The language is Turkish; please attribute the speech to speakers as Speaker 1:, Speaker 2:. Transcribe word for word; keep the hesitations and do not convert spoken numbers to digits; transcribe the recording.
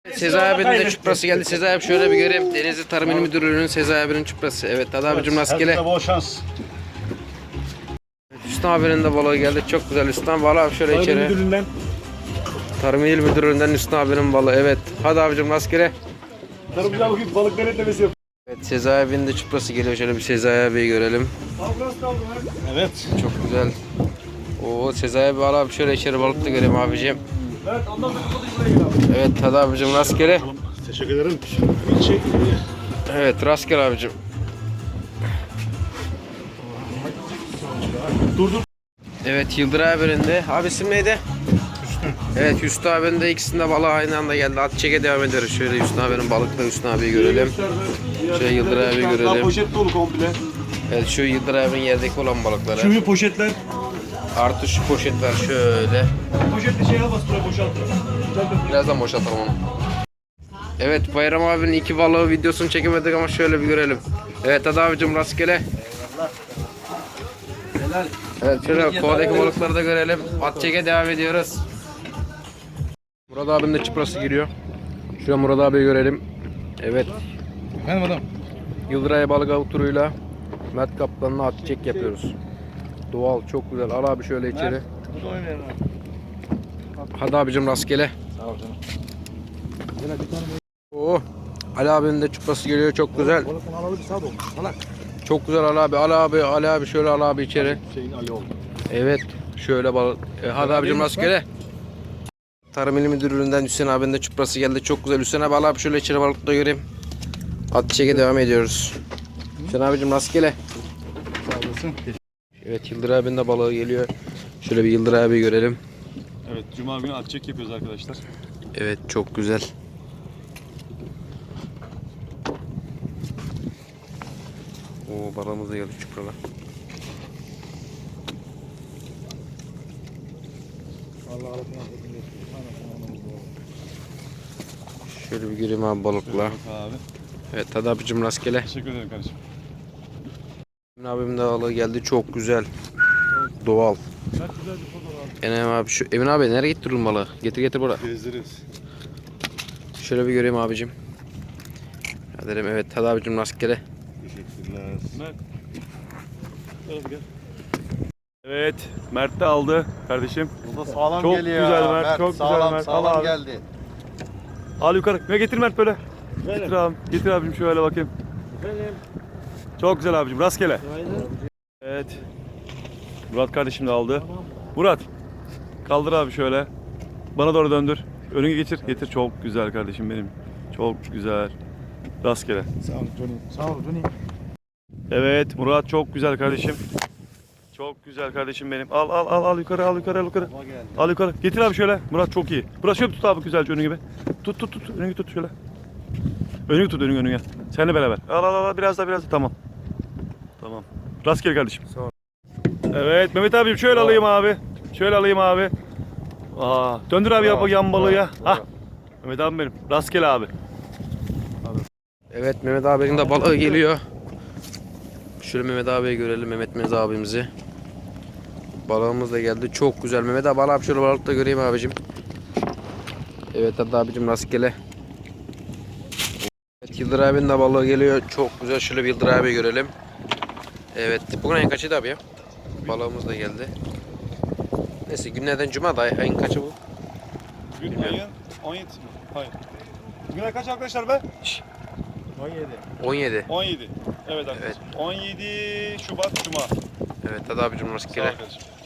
Speaker 1: Sezai abinin de çuprası geldi. Sezai abi şöyle bir göreyim. Denizli Tarım İl Müdürlüğü'nün Sezai abinin çuprası. Evet Tadı abicim rastgele.
Speaker 2: Herkese bol şans.
Speaker 1: Hüsnü abinin de balığı geldi. Çok güzel Hüsnü abi. Valla abi şöyle
Speaker 2: Tarım
Speaker 1: içeri.
Speaker 2: Müdürlüğü'nden.
Speaker 1: Tarım İl Müdürlüğü'nden Hüsnü abinin balığı. Evet. Hadi abicim rastgele.
Speaker 2: Tarımcılar bugün balık denetlemesi yapıyor.
Speaker 1: Evet Sezai abinin de çuprası geliyor. Şöyle bir Sezai abiyi görelim.
Speaker 2: Evet.
Speaker 1: Çok güzel. Oo Sezai abi valla abi şöyle içeri balık da göreyim abicim.
Speaker 2: Evet ondan sonra buraya gel abi.
Speaker 1: Evet Tadı abicim rastgele.
Speaker 2: Teşekkür ederim. Çek.
Speaker 1: Evet rastgele abicim.
Speaker 2: Dur dur.
Speaker 1: Evet Yıldıray abinin de. Abi isim neydi? Hüsnü. Evet Hüsnü abinin de ikisinde balığı aynı anda geldi. At çeke devam ediyoruz. Şöyle Hüsnü abinin balıkla Hüsnü abiyi görelim. Şöyle Yıldıray abi
Speaker 2: Daha
Speaker 1: görelim.
Speaker 2: poşet dolu komple.
Speaker 1: Evet şu Yıldıray abinin yerdeki olan balıkları.
Speaker 2: Şu poşetler.
Speaker 1: Artı şu poşetler şöyle.
Speaker 2: Poşetli şey al bas buraya boşalt.
Speaker 1: Birazdan boşaltalım onu. Evet Bayram abinin iki balığı videosunu çekemedik ama şöyle bir görelim. Evet hadi abicim rastgele. Evet şöyle kovadaki balıkları da görelim. At çeke devam ediyoruz. Murat abinin de çuprası giriyor. Şuraya Murat abiyi görelim. Evet.
Speaker 2: Benim adam.
Speaker 1: Yıldıray balık av turuyla Mert Kaplan'la at çek yapıyoruz. Doğal çok güzel. Al abi şöyle içeri.
Speaker 2: Bu da oynayalım abi.
Speaker 1: Hadi abicim rastgele.
Speaker 2: Sağ ol canım.
Speaker 1: Oo. Ali abinin de çuprası geliyor çok güzel.
Speaker 2: Balıkın alalı bir saat olmuş. Salak.
Speaker 1: Çok güzel Ali abi. Ali abi, Ali abi şöyle Ali abi içeri.
Speaker 2: Şeyin Ali oldu.
Speaker 1: Evet. Şöyle balık. E, hadi abicim rastgele. Tarım İl Müdürlüğü'nden Hüseyin abinin de çuprası geldi. Çok güzel. Hüseyin abi al abi şöyle içeri balık da göreyim. At çeke devam ediyoruz. Hüseyin abicim rastgele.
Speaker 2: Sağ olasın.
Speaker 1: Evet Yıldır abinin de balığı geliyor. Şöyle bir Yıldır abi görelim.
Speaker 2: Evet Cuma günü at çek yapıyoruz arkadaşlar.
Speaker 1: Evet çok güzel. Oo balığımız da geldi çuprala. Şöyle bir gireyim abi balıkla.
Speaker 2: Abi.
Speaker 1: Evet hadi abicim rastgele.
Speaker 2: Teşekkür ederim kardeşim.
Speaker 1: Emin abim de balığı geldi çok güzel. Doğal.
Speaker 2: Çok güzel bir fotoğraf.
Speaker 1: Emin abi şu Emin abi nereye getirdin balığı? Getir getir buraya.
Speaker 2: Gezdiririz.
Speaker 1: Şöyle bir göreyim abicim. Hadi dedim evet hadi abicim rastgele.
Speaker 2: Teşekkürler. Mert. Gel. Evet, Mert de aldı kardeşim.
Speaker 3: Bu da sağlam
Speaker 2: Çok
Speaker 3: geliyor.
Speaker 2: güzel
Speaker 3: ya.
Speaker 2: Mert, çok güzel
Speaker 3: sağlam,
Speaker 2: Mert.
Speaker 3: Sağlam
Speaker 2: Al abi.
Speaker 3: geldi.
Speaker 2: Al yukarı. Ya getir Mert böyle.
Speaker 3: Böyle.
Speaker 2: Getir abi. Getir abicim şöyle bakayım.
Speaker 3: Benim.
Speaker 2: Çok güzel abicim. Rastgele. Evet. Murat kardeşim de aldı. Murat. Kaldır abi şöyle. Bana doğru döndür. Önüne geçir. Getir. Çok güzel kardeşim benim. Çok güzel. Rastgele.
Speaker 3: Sağ ol Johnny. Sağ ol Johnny.
Speaker 2: Evet Murat çok güzel kardeşim. Çok güzel kardeşim benim. Al al al al yukarı al yukarı al yukarı. Al yukarı. Getir abi şöyle. Murat çok iyi. Murat şöyle tut abi güzelce önü gibi. Tut tut tut. Önünü tut şöyle. Önünü tut önünü önüne. Seninle beraber. Al al al biraz daha biraz daha. Tamam. Tamam. Rastgele kardeşim.
Speaker 1: Sağ ol.
Speaker 2: Evet Mehmet abim şöyle alayım abi. Şöyle alayım abi. Aa, döndür abi yap yan balığı ya. Hah. Mehmet abim benim. Rastgele abi.
Speaker 1: Evet Mehmet abinin de balığı geliyor. Şöyle Mehmet abiyi görelim Mehmet Mez abimizi. Balığımız da geldi. Çok güzel. Mehmet abi al abi şöyle balık da göreyim abicim. Evet hadi abicim rastgele. Evet Yıldır abinin de balığı geliyor. Çok güzel. Şöyle bir Yıldır abi görelim. Evet. Bugün ayın kaçıydı abi ya? Balığımız da geldi. Neyse günlerden cuma da ayın kaçı bu?
Speaker 2: Bugün
Speaker 1: Bilmiyorum.
Speaker 2: ayın on yedisi mi? Hayır. Bugün ay kaç arkadaşlar be? Şşş.
Speaker 3: on yedi.
Speaker 1: on yedi.
Speaker 2: on yedi. Evet arkadaşlar. on yedi Şubat Cuma.
Speaker 1: Evet hadi abicim
Speaker 2: Sağ ol
Speaker 1: rastgele.
Speaker 2: kardeşim.